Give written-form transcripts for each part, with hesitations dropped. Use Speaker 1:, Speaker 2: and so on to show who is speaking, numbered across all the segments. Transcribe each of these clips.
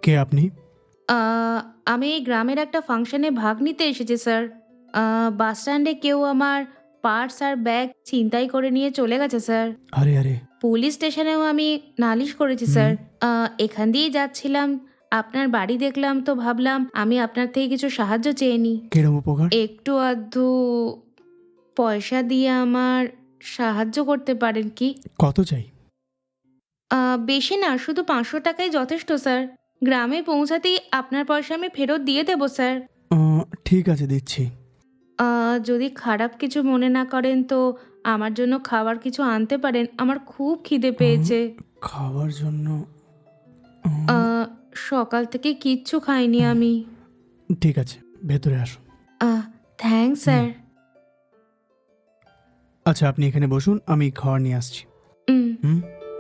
Speaker 1: কে আপনি?
Speaker 2: আমি এই গ্রামের একটা ফাংশনে ভাগ নিতে এসেছি স্যার। বাস স্ট্যান্ডে কেউ আমার পার্স আর ব্যাগ ছিনতাই করে নিয়ে চলে গেছে স্যার।
Speaker 1: আরে আরে।
Speaker 2: পুলিশ স্টেশনেও আমি নালিশ করেছি
Speaker 1: হুম।
Speaker 2: স্যার। এখান দিয়েই যাচ্ছিলাম, আপনার বাড়ি দেখলাম তো ভাবলাম আমি আপনার থেকে কিছু সাহায্য চেয়ে নিই।
Speaker 1: কিরম উপকার?
Speaker 2: একটু আধটু পয়সা দিয়ে আমার সাহায্য করতে পারেন কি?
Speaker 1: কত চাই?
Speaker 2: বেশি না, শুধু ৫০০ টাকাই যথেষ্ট স্যার। গ্রামে পৌঁছাতেই আপনার পয়সা আমি ফেরত দিয়ে দেবো স্যার।
Speaker 1: ঠিক আছে, দিচ্ছি।
Speaker 2: যদি খারাপ কিছু মনে না করেন তো আমার জন্য খাবার কিছু আনতে পারেন। আমার খুব খিদে পেয়েছে।
Speaker 1: খাবার জন্য? উম,
Speaker 2: সকাল থেকে কিচ্ছু খাইনি আমি।
Speaker 1: ঠিক আছে, ভেতরে আসুন।
Speaker 2: Thanks
Speaker 1: hmm.
Speaker 2: স্যার।
Speaker 1: আচ্ছা, আপনি এখানে বসুন, আমি খাবার নিয়ে আসছি।
Speaker 2: উম,
Speaker 1: হুম।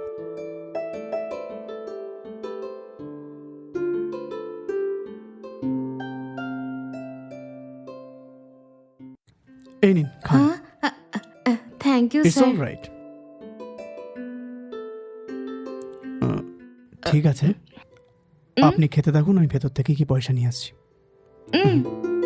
Speaker 1: এই নিন, খান।
Speaker 2: হ্যাঁ, thank you
Speaker 1: it's
Speaker 2: sir.
Speaker 1: All right. ঠিক আছে,
Speaker 2: উম,
Speaker 1: আপনি খেতে থাকুন, আমি ভেতর থেকে কি পয়সা নিয়ে আসছি।
Speaker 2: উম,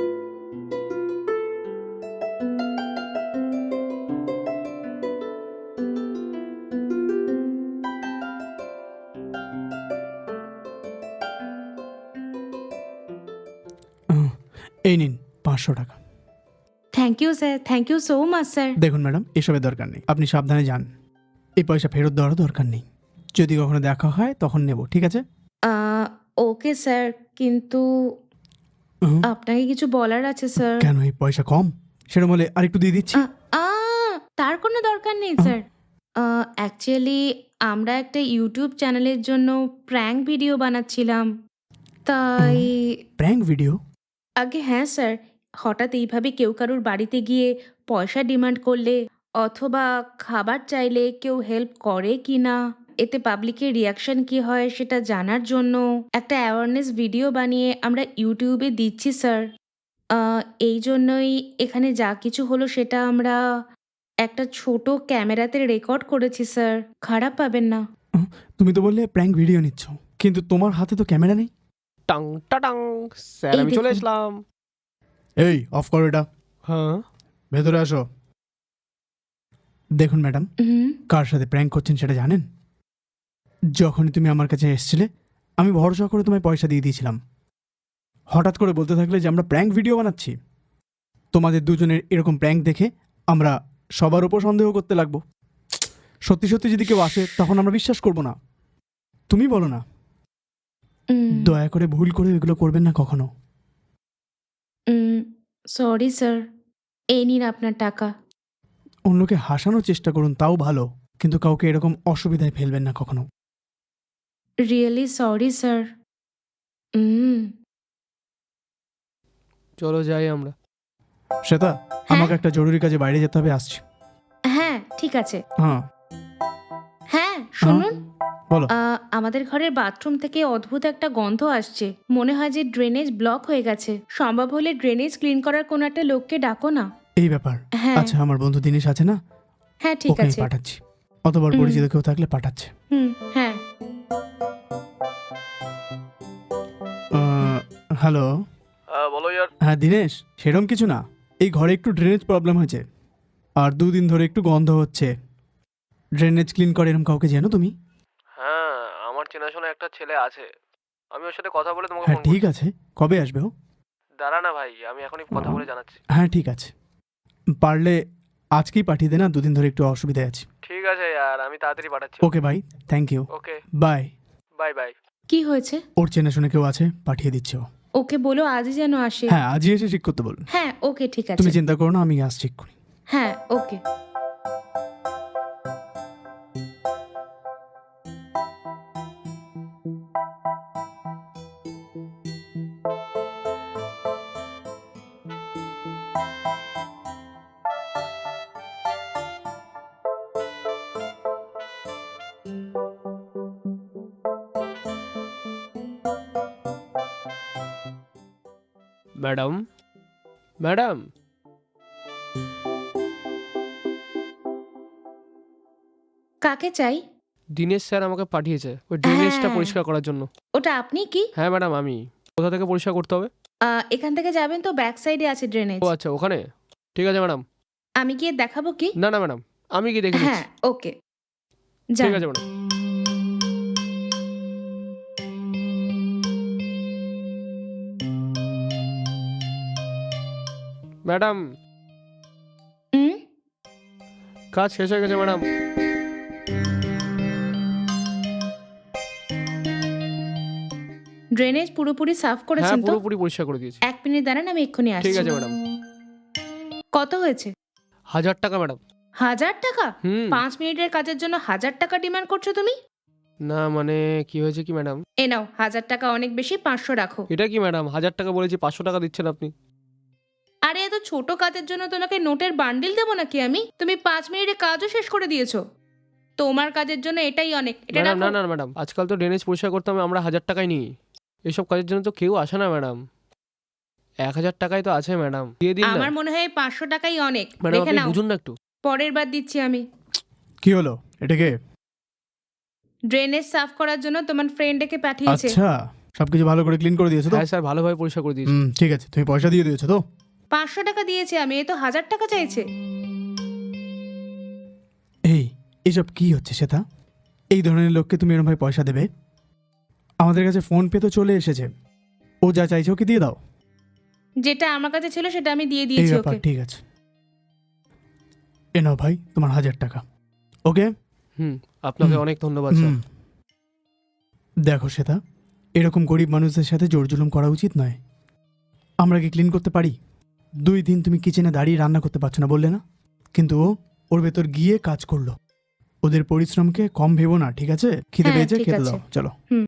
Speaker 1: আহ, এই নিন 500 টাকা।
Speaker 2: Thank you sir, thank you so much sir.
Speaker 1: দেখুন ম্যাডাম, এসবের দরকার নেই, আপনি সাবধানে যান। এই পয়সা ফেরত দেওয়ারও দরকার নেই। যদি কখনো দেখা হয় তখন নেব, ঠিক আছে?
Speaker 2: ওকে স্যার, কিন্তু
Speaker 1: হুম।
Speaker 2: আপনাকে কিছু বলার আছে স্যার।
Speaker 1: কেন, এই পয়সা কম? সেরকম হলে আরেকটু দিয়ে দিচ্ছি।
Speaker 2: আ আ তার কোনো দরকার নেই
Speaker 1: আহ,
Speaker 2: স্যার। অ্যাকচুয়ালি আমরা একটা ইউটিউব চ্যানেলের জন্য প্র্যাঙ্ক ভিডিও বানাচ্ছিলাম। তাই
Speaker 1: প্র্যাঙ্ক ভিডিও?
Speaker 2: আগে হ্যাঁ স্যার, হঠাৎ এইভাবে কেউ কারুর বাড়িতে গিয়ে পয়সা ডিমান্ড করলে অথবা খাবার চাইলে কেউ হেল্প করে কি না, এতে পাবলিকের রিয়াকশন কি হয় সেটা জানার জন্য একটা অ্যাওয়ারনেস ভিডিও বানিয়ে আমরা ইউটিউবে দিচ্ছি স্যার। আ এই জন্যই এখানে যা কিছু হলো সেটা আমরা একটা ছোট ক্যামেরাতে রেকর্ড করেছি স্যার। খারাপ পাবেন না।
Speaker 1: আহ, তুমি তো বললে প্র্যাঙ্ক ভিডিও নিচ্ছ, কিন্তু তোমার হাতে তো ক্যামেরা নেই।
Speaker 3: টাং টাটাং, স্যার
Speaker 2: এই
Speaker 3: আমি চলে
Speaker 2: দেখুন।
Speaker 3: আসলাম।
Speaker 1: এই, অফ করো এটা।
Speaker 3: হ্যাঁ,
Speaker 1: ভেতরে আসো। দেখুন ম্যাডাম,
Speaker 2: হুম,
Speaker 1: কার সাথে প্র্যাঙ্ক করছেন সেটা জানেন? যখনই তুমি আমার কাছে এসেছিলে, আমি ভরসা করে তোমায় পয়সা দিয়ে দিয়েছিলাম। হঠাৎ করে বলতে থাকলে যে আমরা প্র্যাঙ্ক ভিডিও বানাচ্ছি। তোমাদের দুজনের এরকম প্র্যাঙ্ক দেখে আমরা সবার উপর সন্দেহ করতে লাগবো। সত্যি সত্যি যদি কেউ আসে তখন আমরা বিশ্বাস করব না। তুমি বলো না।
Speaker 2: উম,
Speaker 1: দয়া করে ভুল করে এগুলো করবেন না কখনো।
Speaker 2: Sorry sir. এই নিন আপনার টাকা।
Speaker 1: অন্যকে হাসানোর চেষ্টা করুন, তাও ভালো, কিন্তু কাউকে এরকম অসুবিধায় ফেলবেন না কখনো।
Speaker 2: Really sorry sir. উম,
Speaker 3: চলো যাই আমরা।
Speaker 1: শ্বেতা,
Speaker 2: হ্যাঁ?
Speaker 1: আমাকে একটা জরুরি কাজে বাইরে যেতে হবে, আসছি।
Speaker 2: হ্যাঁ, ঠিক আছে।
Speaker 1: হ্যাঁ।
Speaker 2: হ্যাঁ,
Speaker 1: হ্যাঁ,
Speaker 2: শুনুন।
Speaker 1: বলো।
Speaker 2: আমাদের ঘরের বাথরুম থেকে অদ্ভুত একটা গন্ধ আসছে। মনে হয় যে ড্রেনেজ ব্লক হয়ে গেছে। সম্ভব হলে ড্রেনেজ ক্লিন করার কোনো একটা লোককে ডাকো না।
Speaker 1: এই ব্যাপার।
Speaker 2: হ্যাঁ,
Speaker 1: আচ্ছা, আমার বন্ধু দিনেশ আছে না,
Speaker 2: হ্যাঁ ঠিক
Speaker 1: ওকে আমি
Speaker 2: আছে।
Speaker 1: পাঠাচ্ছি। অতবার
Speaker 2: হুম,
Speaker 1: পরিচিত কেউ থাকলে পাঠাচ্ছে।
Speaker 2: হ্যাঁ।
Speaker 1: হ্যালো।
Speaker 3: বলো ইয়ার।
Speaker 1: হ্যাঁ দিনেশ, সেরকম কিছু না। এই ঘরে একটু ড্রেনেজ প্রবলেম হয়েছে, আর 2 দিন ধরে একটু গন্ধ হচ্ছে। ড্রেনেজ ক্লিন করে এরকম কাউকে জানো তুমি?
Speaker 3: হ্যাঁ, আমার চেনাশোনা একটা ছেলে আছে। আমি ওর সাথে কথা বলে তোমাকে
Speaker 1: হ্যাঁ
Speaker 3: ফোন
Speaker 1: ঠিক
Speaker 3: করছি।
Speaker 1: আছে, কবে আসবে ও?
Speaker 3: দাঁড়া না ভাই, আমি এখনই কথা বলে জানাচ্ছি।
Speaker 1: হ্যাঁ ঠিক আছে, পারলে আজকেই পাঠিয়ে দে না, 2 দিন ধরে একটু অসুবিধায় আছি।
Speaker 3: ঠিক আছে ইয়ার, আমি তাড়াতাড়ি পাঠাচ্ছি।
Speaker 1: ওকে ভাই, thank you.
Speaker 3: Okay,
Speaker 1: bye.
Speaker 3: Bye bye.
Speaker 2: কি হয়েছে?
Speaker 1: ওর চেনাশোনা কেউ আছে, পাঠিয়ে দিচ্ছে ও।
Speaker 2: ওকে বলো আজই যেন আসে।
Speaker 1: হ্যাঁ, আজই এসে ঠিক করতে বলুন।
Speaker 2: হ্যাঁ, ওকে ঠিক আছে।
Speaker 1: তুমি চিন্তা করো না, আমি আসছি এক্ষুনি।
Speaker 2: হ্যাঁ, ওকে।
Speaker 3: ম্যাডাম, ম্যাডাম,
Speaker 2: কাকে চাই?
Speaker 3: দিনেশ স্যার আমাকে পাঠিয়েছে ওই ড্রেনেজটা
Speaker 2: হ্যাঁ,
Speaker 3: পরিষ্কার করার জন্য।
Speaker 2: ওটা আপনি কি?
Speaker 3: হ্যাঁ ম্যাডাম, আমি। কোথা থেকে পরিষ্কার করতে হবে?
Speaker 2: এখান থেকে যাবেন তো ব্যাক সাইডে আছে ড্রেনেজ।
Speaker 3: ও আচ্ছা, ওখানে? ঠিক আছে ম্যাডাম।
Speaker 2: আমি গিয়ে দেখাবো কি?
Speaker 3: না না ম্যাডাম, আমি কি দেখে
Speaker 2: হ্যাঁ,
Speaker 3: নিচ্ছি।
Speaker 2: ওকে।
Speaker 3: ঠিক
Speaker 2: যান।
Speaker 3: আছে ম্যাডাম। ম্যাডাম,
Speaker 2: হুম?
Speaker 3: কাজ শেষ হয়ে গেছে ম্যাডাম।
Speaker 2: ড্রেনেজ পুরোপুরি সাফ
Speaker 3: হ্যাঁ,
Speaker 2: করেছেন তো?
Speaker 3: পুরোপুরি পরিষ্কার করে দিয়েছি।
Speaker 2: 1 মিনিট দাঁড়ান, আমি এক্ষুনি
Speaker 3: ঠিক
Speaker 2: আসছি।
Speaker 3: আছে ম্যাডাম।
Speaker 2: কত হয়েছে?
Speaker 3: 1000 টাকা ম্যাডাম।
Speaker 2: 1000 টাকা?
Speaker 3: হুম।
Speaker 2: 5 মিনিটের কাজের জন্য 1000 টাকা ডিমান্ড করছো তুমি?
Speaker 3: না মানে কি হয়েছে কি ম্যাডাম?
Speaker 2: এ নাও, 1000 টাকা অনেক বেশি, 500 রাখো।
Speaker 3: এটা কি ম্যাডাম, 1000 টাকা বলেছি 500 টাকা দিচ্ছেন আপনি?
Speaker 2: আরে এত ছোট কাজের জন্য তোমাকে নোটের বান্ডিল দেবো নাকি আমি? তুমি 5 মিনিটে কাজও শেষ করে দিয়েছো। তোমার কাজের জন্য এটাই অনেক। এটা
Speaker 3: ম্যাডাম না
Speaker 2: রাখো।
Speaker 3: না ম্যাডাম, আজকাল তো ড্রেনেজ পরিষ্কার করতে আমরা 1000 টাকাই নিই। এসব কাজের জন্য তো কেউ আসে না ম্যাডাম। 1000 টাকাই তো আছে ম্যাডাম, দিয়ে দিন না।
Speaker 2: আমার মনে হয় 500 টাকাই অনেক।
Speaker 3: ম্যাডাম
Speaker 2: দেখে
Speaker 3: আপনি
Speaker 2: নাও,
Speaker 3: বুঝুন না একটু।
Speaker 2: পরের বার দিচ্ছি আমি।
Speaker 1: কি হলো? এটাকে?
Speaker 2: ড্রেনেজ সাফ করার জন্য তোমার ফ্রেন্ড একে পাঠিয়েছে।
Speaker 1: আচ্ছা, সবকিছু ভালো করে ক্লিন করে দিয়েছো তো?
Speaker 3: হ্যাঁ স্যার, ভালোভাবে পরিষ্কার করে দিয়েছি।
Speaker 1: ঠিক আছে, তুমি পয়সা দিয়ে দিয়েছো তো?
Speaker 2: 500 টাকা দিয়েছে আমি, এ তো 1000 টাকা চাইছে।
Speaker 1: এসব কি হচ্ছে শ্বেতা? এই ধরনের লোককে তুমি এরকমভাবে পয়সা দেবে? আমাদের কাছে ফোন পে তো চলে এসেছে, ও যা চাইছে ওকে দিয়ে দাও।
Speaker 2: যেটা আমার কাছে ছিল সেটা আমি দিয়ে
Speaker 1: এই
Speaker 2: দিয়েছি
Speaker 1: ব্যাপার,
Speaker 2: ওকে।
Speaker 1: ঠিক আছে। এ নাও ভাই, তোমার 1000 টাকা। ওকে?
Speaker 3: আপনাকে
Speaker 1: হুম।
Speaker 3: অনেক ধন্যবাদ স্যার।
Speaker 1: দেখো শ্বেতা, এরকম গরিব মানুষদের সাথে জোর জুলুম করা উচিত নয়। আমরা কি ক্লিন করতে পারি? 2 দিন তুমি কিচেনে দাঁড়িয়ে রান্না করতে পারছো না বললে না? কিন্তু ওর ভেতর গিয়ে কাজ করলো। ওদের পরিশ্রমকে কম ভেবো না, ঠিক আছে? খিদে
Speaker 2: হ্যাঁ,
Speaker 1: পেয়েছে,
Speaker 2: ঠিক
Speaker 1: খেতে
Speaker 2: আছে।
Speaker 1: দাও, চলো।